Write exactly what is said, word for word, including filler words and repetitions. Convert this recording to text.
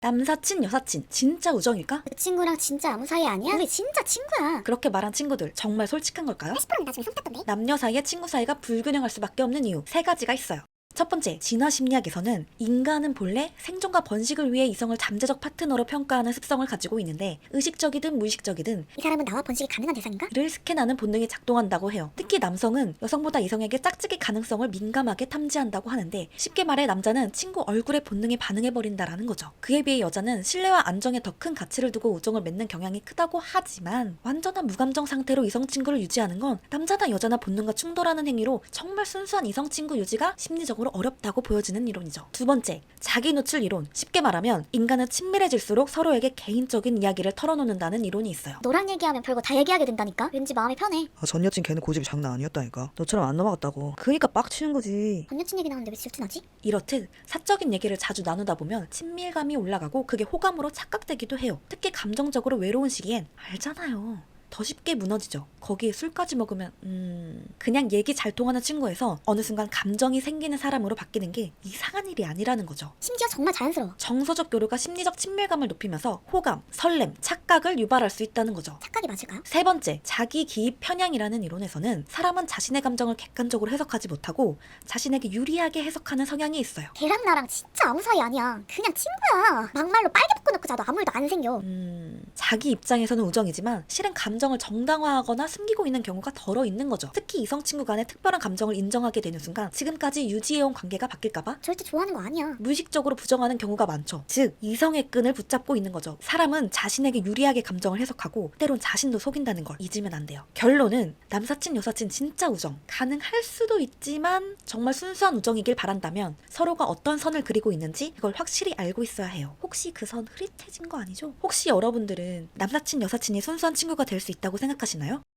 남사친, 여사친, 진짜 우정일까? 그 친구랑 진짜 아무 사이 아니야? 우리 진짜 친구야. 그렇게 말한 친구들 정말 솔직한 걸까요? 팔십 퍼센트는 나중에 썸 탔던데? 남녀 사이의 친구 사이가 불균형할 수밖에 없는 이유 세 가지가 있어요. 첫 번째, 진화 심리학에서는 인간은 본래 생존과 번식을 위해 이성을 잠재적 파트너로 평가하는 습성을 가지고 있는데 의식적이든 무의식적이든 이 사람은 나와 번식이 가능한 대상인가? 이를 스캔하는 본능이 작동한다고 해요. 특히 남성은 여성보다 이성에게 짝짓기 가능성을 민감하게 탐지한다고 하는데 쉽게 말해 남자는 친구 얼굴에 본능이 반응해버린다라는 거죠. 그에 비해 여자는 신뢰와 안정에 더 큰 가치를 두고 우정을 맺는 경향이 크다고 하지만 완전한 무감정 상태로 이성 친구를 유지하는 건 남자나 여자나 본능과 충돌하는 행위로 정말 순수한 이성 친구 유지가 심리적으로 어렵다고 보여지는 이론이죠. 두 번째, 자기 노출 이론. 쉽게 말하면 인간은 친밀해질수록 서로에게 개인적인 이야기를 털어놓는다는 이론이 있어요. 너랑 얘기하면 별거 다 얘기하게 된다니까? 왠지 마음이 편해. 아, 전 여친 걔는 고집이 장난 아니었다니까. 너처럼 안 넘어갔다고. 그니까 빡치는 거지. 전 여친 얘기 나오는데 왜 질투나지? 이렇듯 사적인 얘기를 자주 나누다 보면 친밀감이 올라가고 그게 호감으로 착각되기도 해요. 특히 감정적으로 외로운 시기엔 알잖아요. 더 쉽게 무너지죠. 거기에 술까지 먹으면 음... 그냥 얘기 잘 통하는 친구에서 어느 순간 감정이 생기는 사람으로 바뀌는 게 이상한 일이 아니라는 거죠. 심지어 정말 자연스러워. 정서적 교류가 심리적 친밀감을 높이면서 호감, 설렘, 착각을 유발할 수 있다는 거죠. 착각이 맞을까요? 세 번째, 자기 기입 편향이라는 이론에서는 사람은 자신의 감정을 객관적으로 해석하지 못하고 자신에게 유리하게 해석하는 성향이 있어요. 걔랑 나랑 진짜 아무 사이 아니야. 그냥 친구야. 막말로 빨개 묶어놓고 자도 아무 일도 안 생겨. 음... 자기 입장에서는 우정이지만 실은 감정을 정당화하거나 숨기고 있는 경우가 덜어 있는 거죠. 특히 이성 친구 간의 특별한 감정을 인정하게 되는 순간 지금까지 유지해온 관계가 바뀔까봐 절대 좋아하는 거 아니야. 무의식적으로 부정하는 경우가 많죠. 즉 이성의 끈을 붙잡고 있는 거죠. 사람은 자신에게 유리하게 감정을 해석하고 때론 자신도 속인다는 걸 잊으면 안 돼요. 결론은 남사친 여사친 진짜 우정 가능할 수도 있지만 정말 순수한 우정이길 바란다면 서로가 어떤 선을 그리고 있는지 그걸 확실히 알고 있어야 해요. 혹시 그 선 흐릿해진 거 아니죠? 혹시 여러분들은 남사친 여사친이 순수한 친구가 될 수 있다고 생각하시나요?